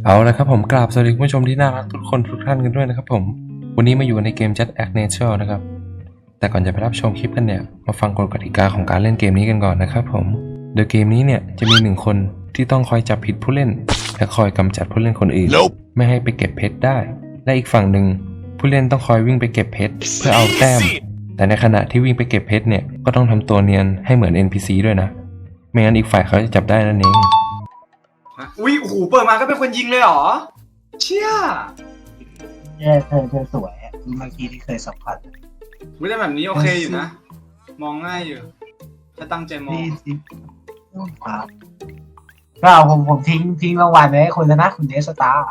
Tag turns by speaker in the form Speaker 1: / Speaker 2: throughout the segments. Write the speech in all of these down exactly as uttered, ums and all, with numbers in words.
Speaker 1: เอาละครับผมกราบสวัสดีคุณผู้ชมที่น่ารักทุกคนทุกท่านกันด้วยนะครับผมวันนี้มาอยู่ในเกม Just Act Natural นะครับแต่ก่อนจะไปรับชมคลิปกันเนี่ยมาฟังกฎกติกาของการเล่นเกมนี้กันก่อนนะครับผมโดยเกมนี้เนี่ยจะมีหนึ่งคนที่ต้องคอยจับผิดผู้เล่นและคอยกำจัดผู้เล่นคนอื่น nope. ไม่ให้ไปเก็บเพชรได้และอีกฝั่งหนึ่งผู้เล่นต้องคอยวิ่งไปเก็บเพชรเพื่อเอาแต้มแต่ในขณะที่วิ่งไปเก็บเพชรเนี่ยก็ต้องทำตัวเนียนให้เหมือน เอ็น พี ซี ด้วยนะไม่งั้นอีกฝ่ายเขาจะจับได้นั่นเอง
Speaker 2: อุ้ยโอ้โหเปิดมาก็เป็นคนยิงเลยเหรอเชี่ย
Speaker 3: แย่เธอเธอสวยอ่ะเมื่อกี้ที่เคยสัมผัส
Speaker 2: ไม่ได้แบบนี้โอเคอยู่นะมองง่ายอยู่ถ้าตั้งใจมอง
Speaker 3: ครับก็ผมผมทิ้งทิ้งรางวัลไว้ให้คุณนะคุณเดสตาร์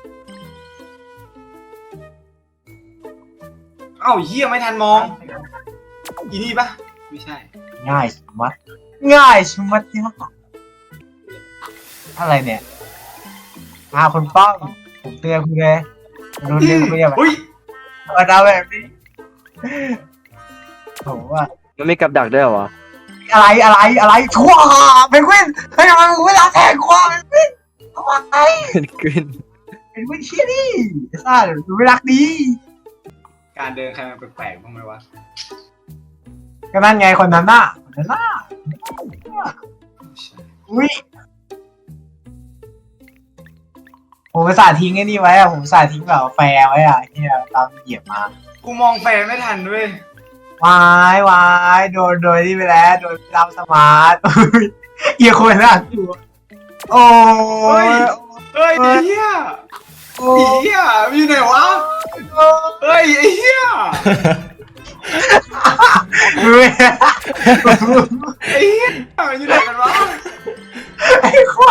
Speaker 2: เอ้าเหี้ยไม่ทันมองอีนี่ปะไม่ใช่
Speaker 3: ง่ายชะมัดง่ายชะมัดยากอะไรเนี่ยอาคุณป้องผมเตือนคุณเลยรู้เรื่องคุณอย่าแบบมาทำแบบนี้ผมว่า
Speaker 4: มันไม่กับดักด้วยเหรอ
Speaker 3: อะไรอะไรอะไรชั่วเพนกวินเฮ้ยทำไมมึงไม่รักแทงกูเพนกวินทำไม
Speaker 4: เพนกวิน
Speaker 3: เพนกวินเชี่ยดิซ่ามึงไม่รักดี
Speaker 2: การเดินใครมันแปลกๆบ้างไหมวะ
Speaker 3: ก็นั่นไงคนนั้นน่ะคนนั้นน่ะอุ้ยผมสาทิ้งไอ้นี่ไว้อะผมสาทิ้งแบบแฟร์ไว้อะที่ตามเหยียบมา
Speaker 2: กูมองแฟร์ไม่ทันด้วย
Speaker 3: วายวายโดนโดยที่ไปแล้วโดนตามสมาร์ทเหี้ยคนน่ะตัวโอ้
Speaker 2: ยเฮ้ยเหี้ยเหี้ยมีไหนวะเฮ้ยไอ้เหี้ย
Speaker 3: เฮ้ย
Speaker 2: ไอ้เหี้ยอยู่ไหนกันวะ
Speaker 3: ไอ้ข้อ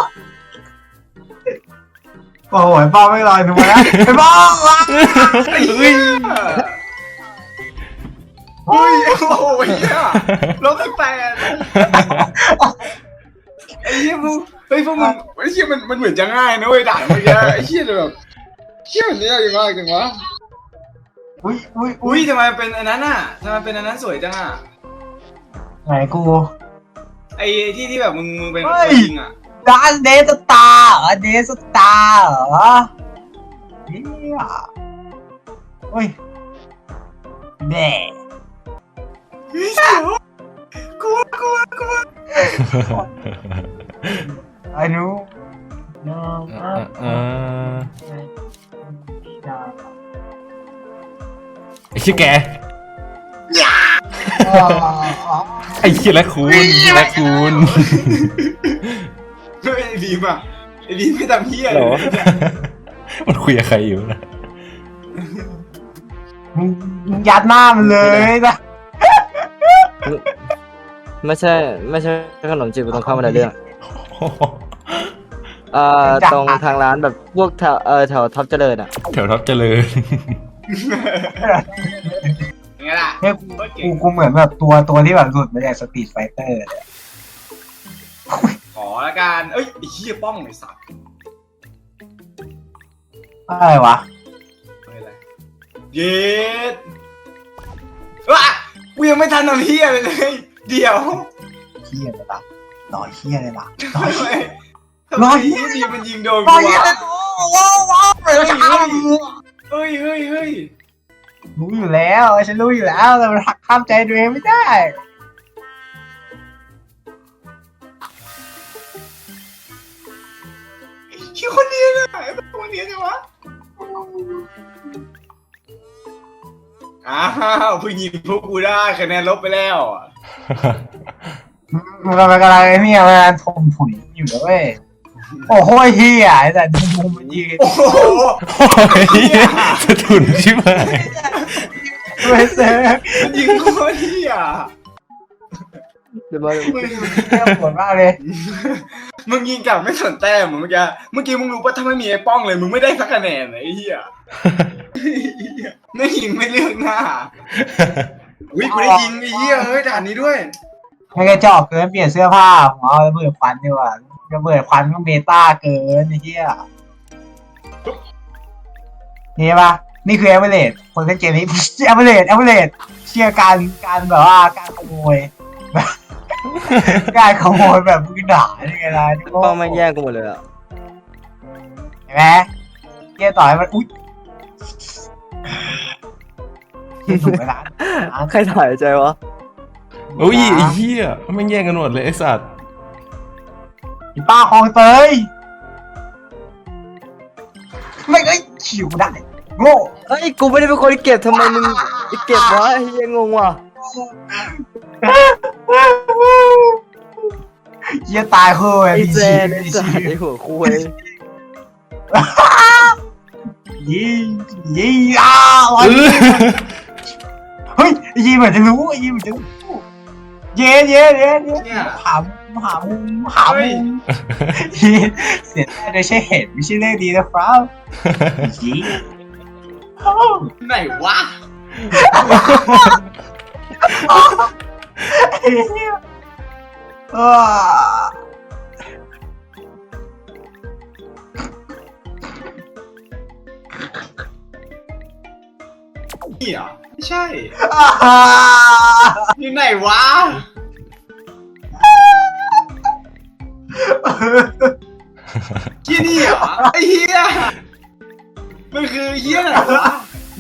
Speaker 3: โอ้โหป้าไม่ลอยถูกไหมนะไอ้ป้าวะ
Speaker 2: ไอ้เหี้ยเฮ้ยโอ้ยเหี้ยลบตั้งแต่ไอ้เหี้ยพวกเฮ้ยพวกมึงไอ้เหี้ยมันมันเหมือนจะง่ายนะเว้ยด่านเมื่อกี้ไอ้เหี้ยแบบเหี้ยมันยากมากจังวะ
Speaker 3: อุ้ยอุ้ย
Speaker 2: อุ้ยทำไมเป็นอันนั้นอ่ะทำไมเป็นอันนั้นสวยจังอ่ะ
Speaker 3: ไหนกู
Speaker 2: ไอ้ที่ที่แบบมึงมึงเป็นคนจริงอ่ะ
Speaker 3: ร้านเดสตาร์เหรอเดสตาร์เหรอเนี่ยโอ้ยแด่
Speaker 2: กลัวกลัวกลัว
Speaker 3: ไอ้หนู
Speaker 1: ไอ้ชื่อแกไอ้ชื่อละคุณละคุณ
Speaker 2: ไอ้บีมอ่ะไอ้บีมไม่ทำเหี้ย
Speaker 1: เลยมันคุยกับใครอยู่นะ
Speaker 3: มึงยัดหน้ามันเลยนะ
Speaker 4: ไม่ใช่ไม่ใช่ขนมจีบตรงข้ามอะไรเรื่องเอ่อตรงทางร้านแบบพวกแถวเออแถวท็อปเจริญอ่ะ
Speaker 1: แถวท็อปเจริญ
Speaker 2: ไงล่ะ
Speaker 3: เนี่ยกูกูเหมือนแบบตัวตัวที่แบบหลุดมาจากสตรีทไฟเตอร์เลย
Speaker 2: ขอละกันเอ้ยไอ้เหี้ยป้องไอ้สัตว์
Speaker 3: อะไรวะ
Speaker 2: อะไรเย็ดว้ากูยังไม่ทันทำเหี้ยเลยเลยเดี๋ยว
Speaker 3: เหี้ยเลยล่ะต่อเหี้ยเลยล่ะต่อ
Speaker 2: เหี้ยต่อเหี้ยดีมันยิงโดนกู
Speaker 3: วะว้าวว้าวเฮ้ย
Speaker 2: เฮ้ยเฮ้ยเฮ้ย
Speaker 3: รู้อยู่แล้วฉันรู้อยู่แล้วแต่มันหักข้ามใจตัวเองไม่ได้
Speaker 2: คิวคนเดียวเลยไอ้คนเดียวใช่ไหมอ้าวเพิ่งยิงพวกกูได้คะแนนลบไปแล้ว
Speaker 3: มันกำลังกำลังเนี่ยมันทมผุยอยู่แล้วเว้ยโอ้โหเฮียแต่ดูมันยิง
Speaker 2: โอ้โห
Speaker 1: สะทุนใช่ไหม
Speaker 3: ไม่เซ่
Speaker 2: ยิงโคตรเฮีย
Speaker 4: เดี๋ยวมา
Speaker 3: มึงแย่ปวดมากเลย
Speaker 2: มึงยิงกลับไม่สนแต้มเมื่อกี้เมื่อกี้มึงรู้ป่ะถ้าไม่มีไอ้ป้องเลยมึงไม่ได้สักคะแนนเลยไอ้เฮียไม่ยิงไม่เลือกหน้าวิกูได้ยิงไอ้เฮียเฮ้ยด่านนี้ด้วย
Speaker 3: ไม่กระจอกเกินเปลี่ยนเสื้อผ้าหัวระเบิดควันดีกว่าระเบิดควันก็เบต้าเกินไอ้เฮียนี่ปะนี่คือแอเวอเรจคนเล่นเกมนี้แอเวอเรจแอเวอเรจเชื่อการการแบบว่าการขโมยการขโมยแบบมึงด่าได้ไงล่ะ
Speaker 4: ป้องไม่แย่งกูหมดเลยอ่ะ
Speaker 3: เอไหมเฮียต่อให้มันอุ้ยถูกไหมล่ะ
Speaker 4: ใครถ่ายใจวะ
Speaker 1: โอ้ยไอ้เหี้ยแม่งแย่งกันหมดเลยไอ้สัตว์
Speaker 3: อีป้าคลองเตยไม่เอ้ยขิวได้โง่
Speaker 4: เฮ้ยกูไม่ได้เป็นคนเก็บทำไมมึงเก็บวะเฮียงงว่ะ
Speaker 3: เฮียตายเฮ้ย
Speaker 4: ไอ้แจ
Speaker 3: มี
Speaker 4: นไอ้
Speaker 3: ชี
Speaker 4: สัต
Speaker 3: วิต
Speaker 4: ว์ไอ้หัวคุย
Speaker 3: ยี่ยี่อ้าว
Speaker 1: เออ
Speaker 3: เฮ้ยไอ้ยีเหมือนจะรู้ไอ้ยีเหมือนจะรู้เย้เย้เย้เย้
Speaker 2: เนี่ย
Speaker 3: หาหามุมหามุมยีเสียใจโดยใช่เหตุไม่ใช่เรื่องดีนะครับยี
Speaker 2: ไหนวะ
Speaker 3: เออ
Speaker 2: นี่เหรอไม่ใช่
Speaker 3: อ่า
Speaker 2: อยู่ไหนวะที่นี่เหรอไอ้เหี้ยมันคือเหี้ยไหนวะ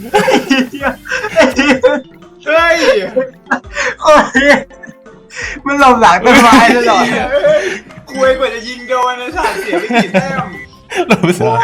Speaker 2: เฮ้ย
Speaker 3: โอ้ยมันหลบหลังต้นไม้ตลอด
Speaker 2: เฮ้ยคุยกว่าจะยิงโดนนะสัตว์เสียไปกี่แต้ม
Speaker 1: เราไปสัตว์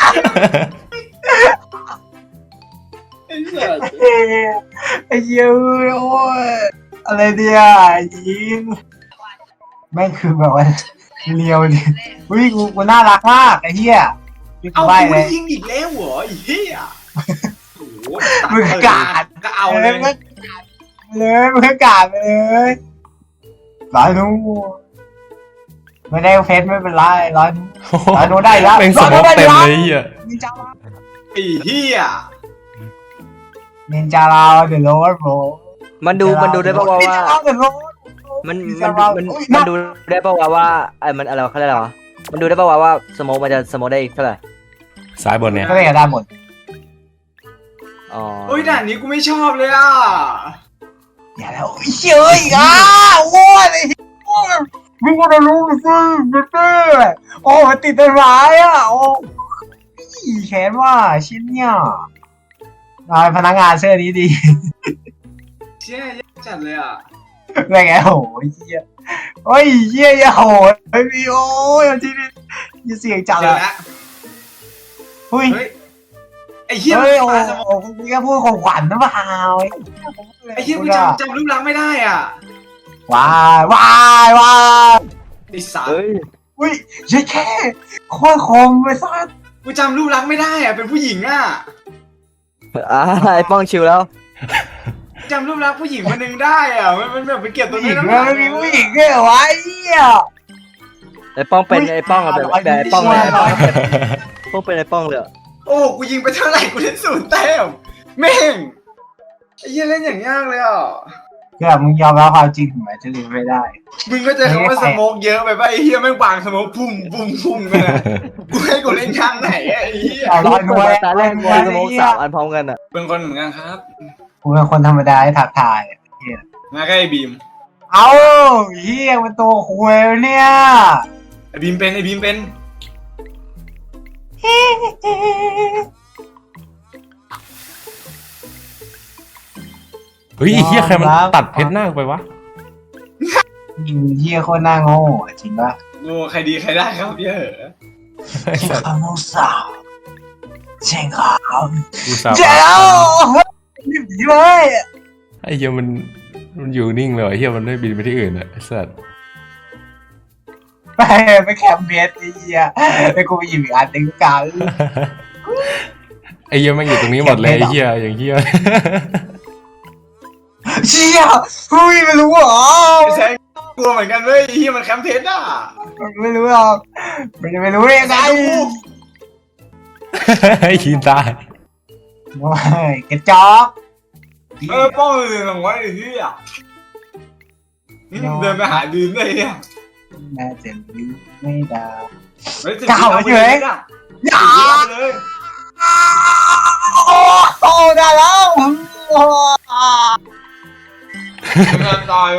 Speaker 2: ไอ้สัตว์
Speaker 3: ไอ้เหี้ยโอ้ยอะไรเนี่ยยิงแม่งคือแบบว่าเลียวดิอุ้ยกูกูน่ารักมากไอ้เหี้ยนี่กู
Speaker 2: เอา
Speaker 3: ใบ
Speaker 2: กู
Speaker 3: เล
Speaker 2: ได้
Speaker 3: ย
Speaker 2: ยิงอีกแล้วเหรอไอ้เหี้ยโอ้โห
Speaker 3: มึงกาด
Speaker 2: ก็เอาเลย
Speaker 3: มึงเลยมึงกาดไปเลยร้อยนู้ไม่ได้เฟซไม่เป็นไรร้อยนู้ร้อยนู้ได้แล้ว
Speaker 1: แม่งสมองเต็มเลยไอ้เหี้ย
Speaker 3: นินจา
Speaker 2: ไอ้เหี้ย
Speaker 3: นินจาเราเดอะโรดโบ
Speaker 4: มันดูมันดูได้ปะวะ
Speaker 3: นิน
Speaker 4: ว่า
Speaker 3: จาเราเดอะโรด
Speaker 4: มันมันมันมันดูได้ปะวะว่าไอ้มันอะไรวะเขาเรียกอะไรวะมันดูได้ปะวะว่าสโมกมันจะสโมกได้อีกเท่าไหร่
Speaker 1: ซ้ายบนเนี่ย
Speaker 3: ก็เลยได้หมด
Speaker 4: อ๋อ
Speaker 2: โอ้ยด่านนี้กูไม่ชอบเลยอ่ะ
Speaker 3: อย่าแล้วเฉยอ่ะโอ้ยโอ้ยมึงก็จะรู้สิเต้โอ้มันติดต้นไม้อ่ะโอ้แขนว่าชิ้นเนี่ยนายพนักงานเสื้อนี้ดี
Speaker 2: เชี่ยยากจัดเลยอ่ะ
Speaker 3: อะไรไงโอ้ยเหี้ยโอ้ยเหี้ยอย่าโหดไอ้พี่โอ้ยที่นี่ยิ่งเสียงจัด
Speaker 2: เจ
Speaker 3: เล
Speaker 2: อย แล้ว
Speaker 3: เฮ้ย
Speaker 2: เฮ้ยไอ้เหี้ย
Speaker 3: เฮ้ย
Speaker 2: มัน
Speaker 3: โอ้
Speaker 2: ปาสมอง
Speaker 3: โหคุณก็พูดของขวัญนะเปล่า
Speaker 2: ไอ้เหี้ยกูจำจำรูปลักษณ์ไม่ได้อ่ะ
Speaker 3: ว้ายว้ายว้าย
Speaker 2: ไอ้สัตว์
Speaker 4: เฮ้ย
Speaker 3: อุ้ยยัยแค่โคตรคมไปซะ
Speaker 2: กูจำรูปลักษณ์ไม่ได้อ่ะเป็นผู้หญิงอ่ะ
Speaker 4: อ่าไอ้ป้องชิวแล้ว
Speaker 2: จำรูปลักษณ์ผู้หญิงคนหนึ่งได้อ่ะมันมันแบบไปเก็บตัว
Speaker 3: ผู้ห
Speaker 2: นี้
Speaker 3: ญิง
Speaker 2: น้ำห
Speaker 3: เล
Speaker 2: นั
Speaker 3: ย
Speaker 2: ก
Speaker 3: ไม่มีผู้หญิงเลยเหรอวะไอ้เหี้ย
Speaker 4: ไอ้ป้องเป็นไอ้ป้องอะแบบแบบไอ้ป้องเลยไอ้ป้อง
Speaker 3: ร้อย
Speaker 4: ป้องเป็นไอ้ป้องเลยอะ
Speaker 2: โอ้กูยิงไปเท่าไหร่กูได้ศูนย์แต้มแม่งไอ้เหี้ยเล่นอย่างยากเลยอ่ะ
Speaker 3: เพื่อมึงยอมรับความจริงถึงแม้จะลืมไม่ได้
Speaker 2: มึงก็จะคำว่าสโมกเยอะไปป่ะไอ้เหี้ยแม่งวางสโมกพุ่มพุ่มพุ่มกันอะกูให้กูเล่นข้างไหนอะไอ้เหี้ย
Speaker 3: เอาร้อยหน่วย
Speaker 4: ตาแรกกูสโมกสามอันพร้อมกันอะ
Speaker 2: เป็นคนเหมือนกันครับ
Speaker 3: กูเป็นคนธรรมดาที่ทักทายอะเหี้ย
Speaker 2: มาใกล้ไอ้บีม
Speaker 3: เอาเหี้ยมันตัวคุยเนี่ย
Speaker 2: ไอ้บีมเป็นไอ้บีมเป็น
Speaker 1: เฮ้ยไอ้เหี้ยใครมันตัดเพชรหน้ากูไปวะ
Speaker 3: เหี้ยโคตรน่าโง่อะจริงปะ
Speaker 2: โง่ใครดีใครได้ครับเหี้ยเหอะ
Speaker 1: ไอ้
Speaker 3: เช่น
Speaker 1: สัตว์
Speaker 3: คำโมสาวเช่นค
Speaker 1: กูสา
Speaker 3: ำเจ้ารีบหนีเลย
Speaker 1: ไอ้เหี้ยมันมันอยู่นิ่งเลยไอ้เหี้ยมันไม่บินไปที่อื่นอะไอ้สัตว์
Speaker 3: ไปไปแคมเบสไอ้เหี้ยแล้วกูไปหยิบอีกอันหนึ่งกัน
Speaker 1: ไอ้เหี้ยแม่งอยู่ตรงนี้หมดเลยไอ้เหี้ยอย่างเหี้ย
Speaker 3: เชี่ยเฮ้ยไม่รู้เหรอ
Speaker 2: ไม่ใช่กลัวเหมือนกันเว้ยไอ้เหี้ยมันแคมเพชรอ่ะ
Speaker 3: ไม่รู้หรอกมันจะไม่รู้ได้ยังไง
Speaker 1: ไอ้ขีนตาย
Speaker 3: ว้ายกระจอก
Speaker 2: เออป้องเลยหลังไว้ไอ้เหี้ยนี่มึงเดินไปหาดีนได้เนี่ย
Speaker 3: น่าจะรู้ไม่ได้
Speaker 2: เฮ้ยสิบ
Speaker 3: เก้า
Speaker 2: เอาไป
Speaker 3: เฉ
Speaker 2: เลย ยอ่ะ
Speaker 3: อย่า
Speaker 2: สิบเอาไปเลย
Speaker 3: โอ้ได้แล้ว
Speaker 2: เงินตาย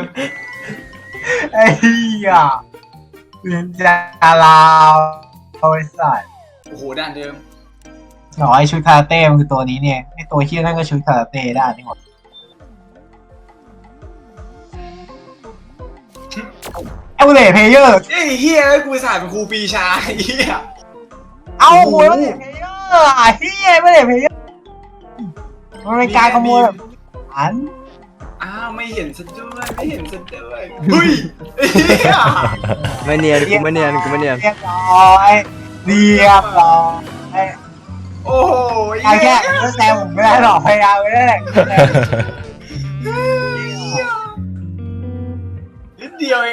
Speaker 3: ไอ้เหี้ยเรียนจาลาวเอาไอ้สัตว์
Speaker 2: โอ้โหด่านเดิม
Speaker 3: หน่อยชุดคาราเต้มันคือตัวนี้เนี่ยไอตัวเชี่ยนั่นก็ชุดคาราเต้ได้นี่หมดเอลเลเพเยอร์
Speaker 2: เอ้ยเฮียไอ้กูสายเป็นครูปีชาไอ้เฮีย
Speaker 3: เอาโว้ยเอลเลเพเยอร์อ่ะเฮียเอลเลเพเยอร์มันเป็นการขโมยแบบอัน
Speaker 2: อ้าวไม่เห็นซะด้วยไม่เห็นซะด้วยเฮ้ยไอ้เฮีย
Speaker 4: ไม่เนียนกูไม่เนียนกูไม่เนียน
Speaker 3: เรียบร้อยเรียบร้อย
Speaker 2: โอ้โห
Speaker 3: ไอ้แค่ก็แซวผมไม่ได้หรอกพยายามไม่ได้แหละ
Speaker 2: นิดเดียวเอง